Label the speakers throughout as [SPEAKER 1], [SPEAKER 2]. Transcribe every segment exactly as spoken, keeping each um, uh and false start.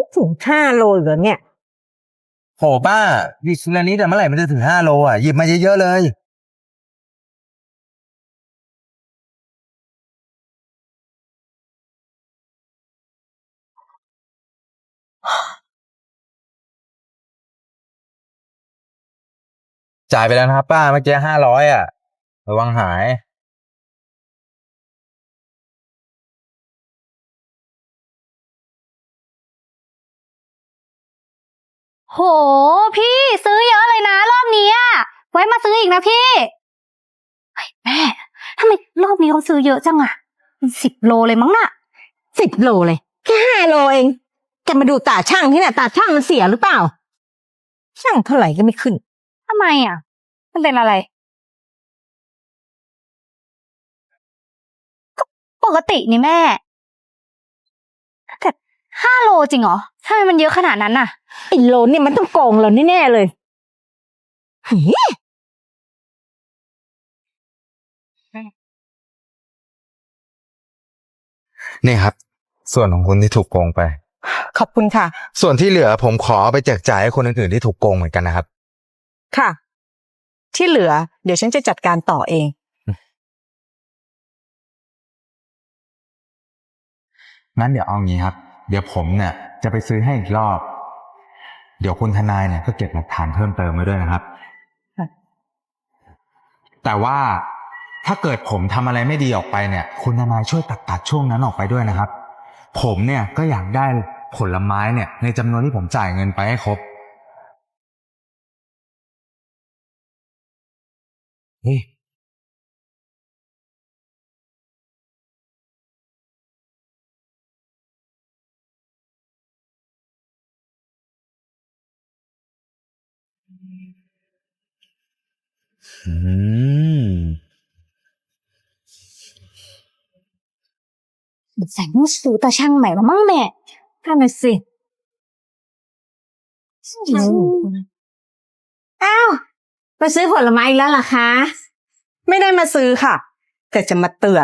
[SPEAKER 1] ถึงห้าโลเหรอเนี่ย
[SPEAKER 2] โหป้าดิสลานี้แต่เมื่อไหร่มันจะถึงห้าโลอ่ะหยิบมาเยอะๆเลยจ่ายไปแล้วนะครับป้าเมื่อกี้ห้าร้อยอ่ะระวังหาย
[SPEAKER 3] โหพี่ซื้อเยอะเลยนะรอบนี้อะไว้มาซื้ออีกนะพี่เฮ้ยแม่ทำไมรอบนี้เขาซื้อเยอะจังอะสิบโลเลยมั้งน่ะ
[SPEAKER 1] สิบโลเลยแค่ห้าโลเองแกมาดูตาช่างที่น่ะตาช่างมันเสียหรือเปล่าช่างเท่าไหร่ก็ไม่ขึ้น
[SPEAKER 3] ทำไมอะมันเป็นอะไรก็ปกตินี่แม่แต่ห้าโลจริงเหรอทำไมมันเยอะขนาดนั้นน่ะ
[SPEAKER 1] ไอ้โลนี่มันต้องโกงเราแน่ๆเลย
[SPEAKER 2] นี่ครับส่วนของคุณที่ถูกโกงไป
[SPEAKER 1] ขอบคุณค่ะ
[SPEAKER 2] ส่วนที่เหลือผมขอเอาไปแจกจ่ายให้คนอื่นๆที่ถูกโกงเหมือนกันนะครับ
[SPEAKER 1] ค่ะที่เหลือเดี๋ยวฉันจะจัดการต่อเอง
[SPEAKER 2] งั้นเดี๋ยวเอางี้ครับเดี๋ยวผมเนี่ยจะไปซื้อให้อีกรอบเดี๋ยวคุณทนายเนี่ยก็เก็บหลักฐานเพิ่มเติมไว้ด้วยนะครับแต่ว่าถ้าเกิดผมทำอะไรไม่ดีออกไปเนี่ยคุณทนายช่วยตัดตัดช่วงนั้นออกไปด้วยนะครับผมเนี่ยก็อยากได้ผลไม้เนี่ยในจำนวนที่ผมจ่ายเงินไปให้ครบเฮ้ยอืม
[SPEAKER 3] ใส่มูสูตาช่างใหม่มามั่งแม่
[SPEAKER 1] นั่นน่ะสิอ้าวมาซื้อผลไม้อีกแล้วเหรอคะไม่ได้มาซื้อค่ะแต่จะมาเตือน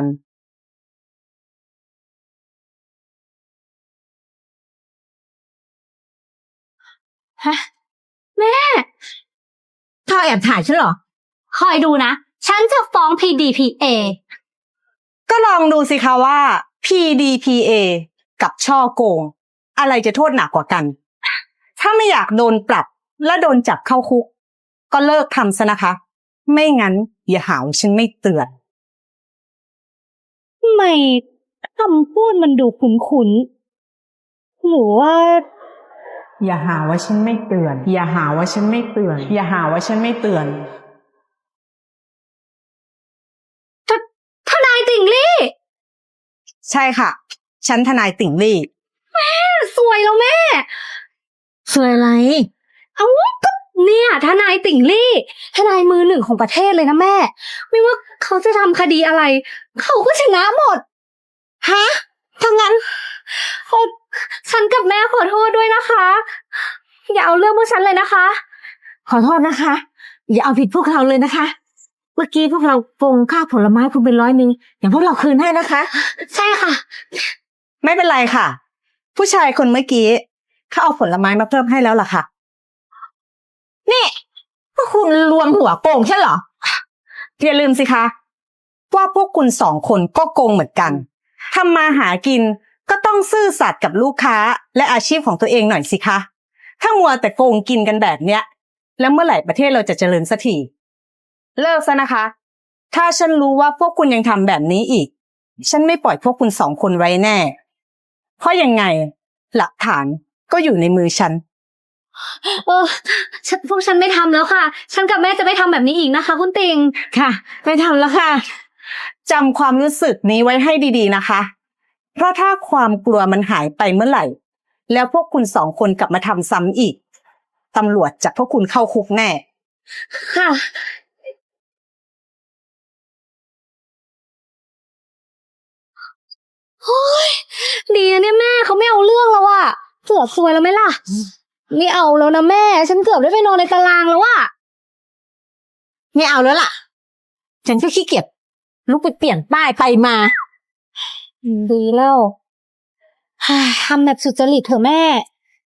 [SPEAKER 3] ฮะแม่
[SPEAKER 1] เธอแอบถ่ายฉันเหรอ
[SPEAKER 3] คอยดูนะฉันจะฟ้อง พี ดี พี เอ
[SPEAKER 1] ก็ลองดูสิคะว่า พี ดี พี เอ กับช่อโกงอะไรจะโทษหนักกว่ากันถ้าไม่อยากโดนปรับและโดนจับเข้าคุกก็เลิกทำซะนะคะไม่งั้นอย่าหาว่าฉันไม่เตือน
[SPEAKER 3] ทำไมคำพูดมันดูคุ้นๆหรือว่า
[SPEAKER 1] อย่าหาว่าฉันไม่เตือนอย่าหาว่าฉันไม่เตือนอย่าหาว่าฉันไม่เตือน
[SPEAKER 3] ทนายติ่งลี่
[SPEAKER 1] ใช่ค่ะฉันทนายติ่งลี่
[SPEAKER 3] แม่สวยแล้วแม่
[SPEAKER 1] สวยอะไร
[SPEAKER 3] เอ้าก็เนี่ยทนายติ่งลี่ทนายมือหนึ่งของประเทศเลยนะแม่ไม่ว่าเขาจะทำคดีอะไรเขาก็ชนะหมด
[SPEAKER 1] ฮะถ้างั้น
[SPEAKER 3] ฉันกับแม่ขอโทษด้วยนะคะอย่าเอาเรื่องพวกฉันเลยนะคะ
[SPEAKER 1] ขอโทษนะคะอย่าเอาผิดพวกเราเลยนะคะเมื่อกี้พวกเราโกงค่าผลไม้คุณเป็นร้อยหนึ่งอย่างพวกเราคืนให้นะคะ
[SPEAKER 3] ใช่ค่ะ
[SPEAKER 1] ไม่เป็นไรค่ะผู้ชายคนเมื่อกี้เขาเอาผลไม้มาเพิ่มให้แล้วล่ะค่ะนี่พวกคุณรวมหัวโกงใช่เหรออย่าลืมสิคะว่าพวกคุณสองคนก็โกงเหมือนกันทำมาหากินก็ต้องซื่อสัตย์กับลูกค้าและอาชีพของตัวเองหน่อยสิคะถ้ามัวแต่โกงกินกันแบบเนี้ยแล้วเมื่อไหร่ประเทศเราจะเจริญสักทีเลิกซะนะคะถ้าฉันรู้ว่าพวกคุณยังทำแบบนี้อีกฉันไม่ปล่อยพวกคุณสองคนไว้แน่เพราะยังไงหลักฐานก็อยู่ในมือฉัน
[SPEAKER 3] เออพวกฉันไม่ทำแล้วค่ะฉันกับแม่จะไม่ทำแบบนี้อีกนะคะคุณติง
[SPEAKER 1] ค่ะไม่ทำแล้วค่ะจำความรู้สึกนี้ไว้ให้ดีๆนะคะเพราะถ้าความกลัวมันหายไปเมื่อไหร่แล้วพวกคุณสองคนกลับมาทำซ้ำอีกตำรวจจับพวกคุณเข้าคุกแน่
[SPEAKER 3] ค่ะโอ้ยดีนะเนี่ยแม่เขาไม่เอาเรื่องแล้วอะเกือบซวยแล้วไหมล่ะไม่เอาแล้วนะแม่ฉันเกือบได้ไปนอนในตารางแล้วอะ
[SPEAKER 1] ไม่เอาแล้วล่ะฉันก็ขี้เกียจลุกไปเปลี่ยนป้ายไปมา
[SPEAKER 3] ดีแล้วทำแบบสุจริตเถอะแม่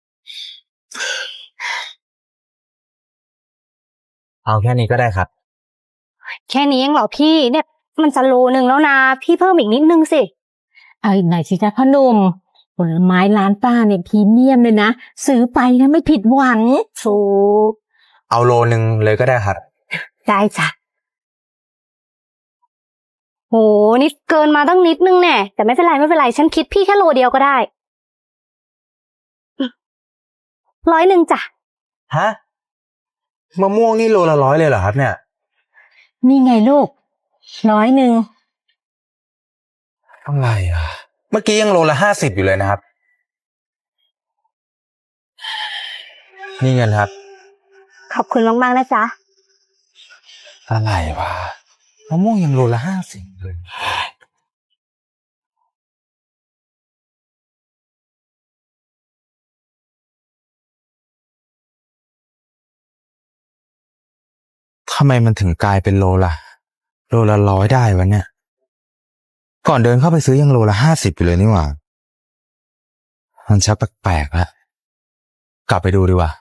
[SPEAKER 2] เอาแค่นี้ก็ได้ครับ
[SPEAKER 3] แค่นี้เองเหรอพี่เนี่ยมันจะโลนึงแล้วนะพี่เพิ่มอีกนิดนึงสิ
[SPEAKER 1] เอาอีกหน่อยสิจ๊ะพ่อหนุ่มผลไม้ร้านป้าเนี่ยพรีเมียมเลยนะซื้อไปนะไม่ผิดหวังถูก
[SPEAKER 2] เอาโลนึงเลยก็ได้ครับ
[SPEAKER 1] ได้จ้ะ
[SPEAKER 3] โหนี่เกินมาตั้งนิดนึงแน่แต่ไม่เป็นไรไม่เป็นไรฉันคิดพี่แค่โลเดียวก็ได้ร้อยหนึ่งจ้ะ
[SPEAKER 2] ฮะมะม่วงนี่โลละร้อยเลยเหรอครับเนี่ย
[SPEAKER 1] นี่ไงลูกร้อยหนึ่ง
[SPEAKER 2] อะไรอ่ะ เมื่อกี้ยังโลละห้าสิบอยู่เลยนะครับ นี่เงินครับ
[SPEAKER 3] ขอบคุณมากๆนะจ๊ะ
[SPEAKER 2] อะไรวะมะม่วงยังโลละห้าสิบเลยทำไมมันถึงกลายเป็นโลละโลละร้อยได้วะเนี่ย ก่อนเดินเข้าไปซื้อยังโลละห้าสิบอยู่เลยนี่หว่า มันชักแปลกๆแล้วกลับไปดูดีกว่า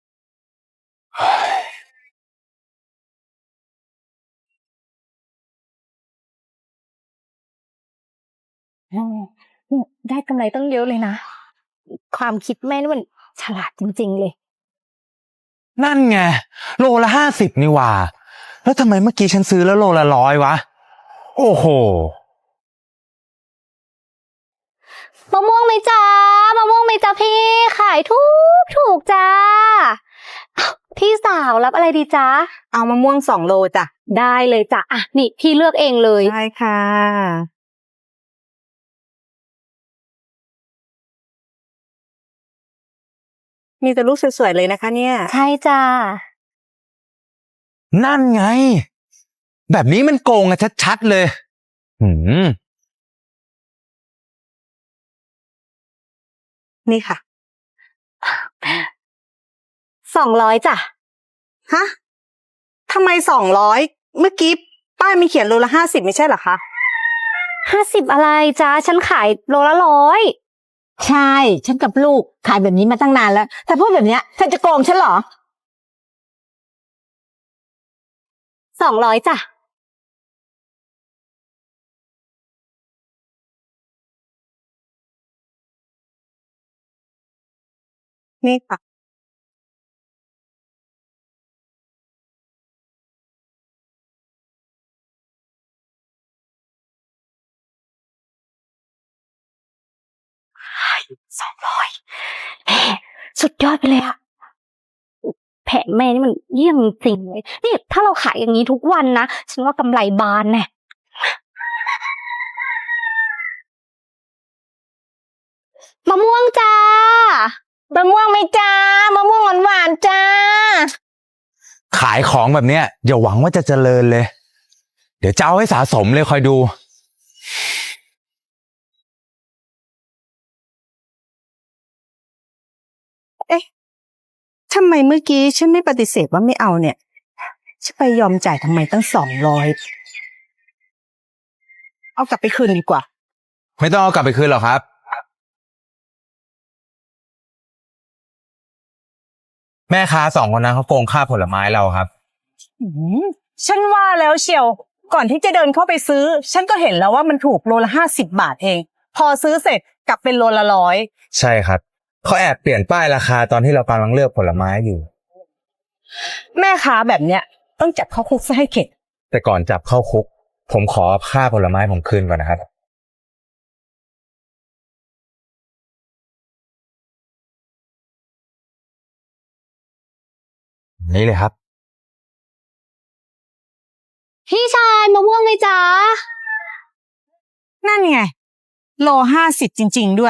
[SPEAKER 3] อืมได้กำไรตั้งเยอะเลยนะ ความคิดแม่นี่มันฉลาดจริงๆเลย
[SPEAKER 2] นั่นไงโลละห้าสิบนี่หว่า แล้วทำไมเมื่อกี้ฉันซื้อแล้วโลละร้อยวะ โอ้โห
[SPEAKER 3] มะม่วงไหมจ๊ะมะม่วงไหมจ๊ะพี่ขายถูกถูกจ้าอ้าวพี่สาวรับอะไรดีจ๊ะ
[SPEAKER 1] เอามะม่วงสองโลจ้ะ
[SPEAKER 3] ได้เลยจ้ะอ่ะนี่พี่เลือกเองเลย
[SPEAKER 1] ได้ค่ะ มีแต่ลูกสวยๆเลยนะคะเนี่ย
[SPEAKER 3] ใช่จ้า
[SPEAKER 2] นั่นไง แบบนี้มันโกงอะชัดๆเลย หืม
[SPEAKER 1] นี่ค่ะ
[SPEAKER 3] สองร้อยจ้ะ
[SPEAKER 1] ฮะทำไมสองร้อยเมื่อกี้ป้ายมีเขียนโลละห้าสิบไม่ใช่เหรอคะ
[SPEAKER 3] ห้าสิบอะไรจ้าฉันขายโลละร้อย
[SPEAKER 1] ใช่ ฉันกับลูกขายแบบนี้มาตั้งนานแล้ว แต่พูดแบบเนี้ยเธอจะโกงฉันเหรอ
[SPEAKER 3] สองร้อยจ้ะ
[SPEAKER 1] นี่ค่ะ
[SPEAKER 3] สองร้อยแหมสุดยอดไปเลยอะแผนแม่นี่มันเยี่ยมจริงเลยนี่ถ้าเราขายอย่างนี้ทุกวันนะฉันว่ากำไรบานแน่มะม่วงจ้าม
[SPEAKER 1] ะม่วงไหมจ้ามะม่วงหวานๆจ้า
[SPEAKER 2] ขายของแบบเนี้ยอย่าหวังว่าจะเจริญเลย เดี๋ยวจะเอาให้สะสมเลยคอยดู
[SPEAKER 1] ทำไมเมื่อกี้ฉันไม่ปฏิเสธว่าไม่เอาเนี่ยฉันไปยอมจ่ายทำไมตั้งสองร้อยเอากลับไปคืนดีกว่า
[SPEAKER 2] ไม่ต้องเอากลับไปคืนหรอกครับ แม่ค้าสองคนนั้นเขาโกงค่าผลไม้เราครับ
[SPEAKER 1] อืมฉันว่าแล้วเชียว ก่อนที่จะเดินเข้าไปซื้อ ฉันก็เห็นแล้วว่ามันถูกโลละห้าสิบบาทเอง พอซื้อเสร็จกลับเป็นโลละร้อย
[SPEAKER 2] ใช่ครับเขาแอบเปลี่ยนป้ายราคาตอนที่เรากำลังเลือกผลไม้อยู่
[SPEAKER 1] แม่ค้าแบบเนี้ยต้องจับเข้าคุกซะให้เข็ด
[SPEAKER 2] แต่ก่อนจับเข้าคุก ผมขอค่าผลไม้ผมคืนก่อนนะครับ นี่เลยครับ
[SPEAKER 3] พี่ชายมะม่วงไหมจ๊ะ
[SPEAKER 1] นั่นไงโลห้าสิบจริง ๆ ด้วย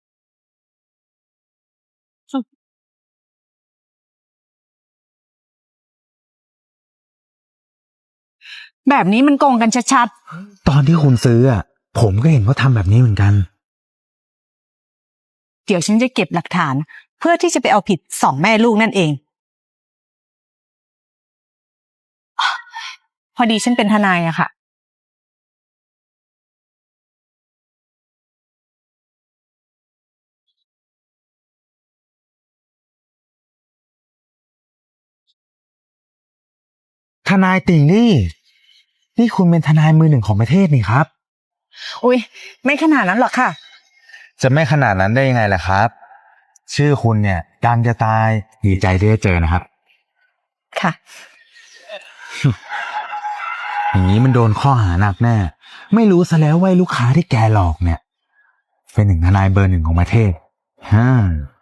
[SPEAKER 1] แบบนี้มันโกงกันชัด
[SPEAKER 2] ตอนที่คุณซื้ออ่ะ ผมก็เห็นเขาทำแบบนี้เหมือนกัน
[SPEAKER 1] ๆ เดี๋ยวฉันจะเก็บหลักฐาน เพื่อที่จะไปเอาผิดสองแม่ลูกนั่นเอง พอดีฉันเป็นทนายอะค่ะ
[SPEAKER 2] ทนายติ่งนี่ นี่คุณเป็นทนายมือหนึ่งของประเทศนี่ครับ
[SPEAKER 1] อุ้ยไม่ขนาดนั้นหรอกค่ะ
[SPEAKER 2] จะไม่ขนาดนั้นได้ยังไงล่ะครับ ชื่อคุณเนี่ยดังจะตายดีใจที่ได้เจอนะครับ
[SPEAKER 1] ค่ะ
[SPEAKER 2] อย่างนี้มันโดนข้อหาหนักแน่ ไม่รู้ซะแล้วว่าลูกค้าที่แกหลอกเนี่ย เป็นหนึ่งทนายเบอร์หนึ่งของประเทศฮ่า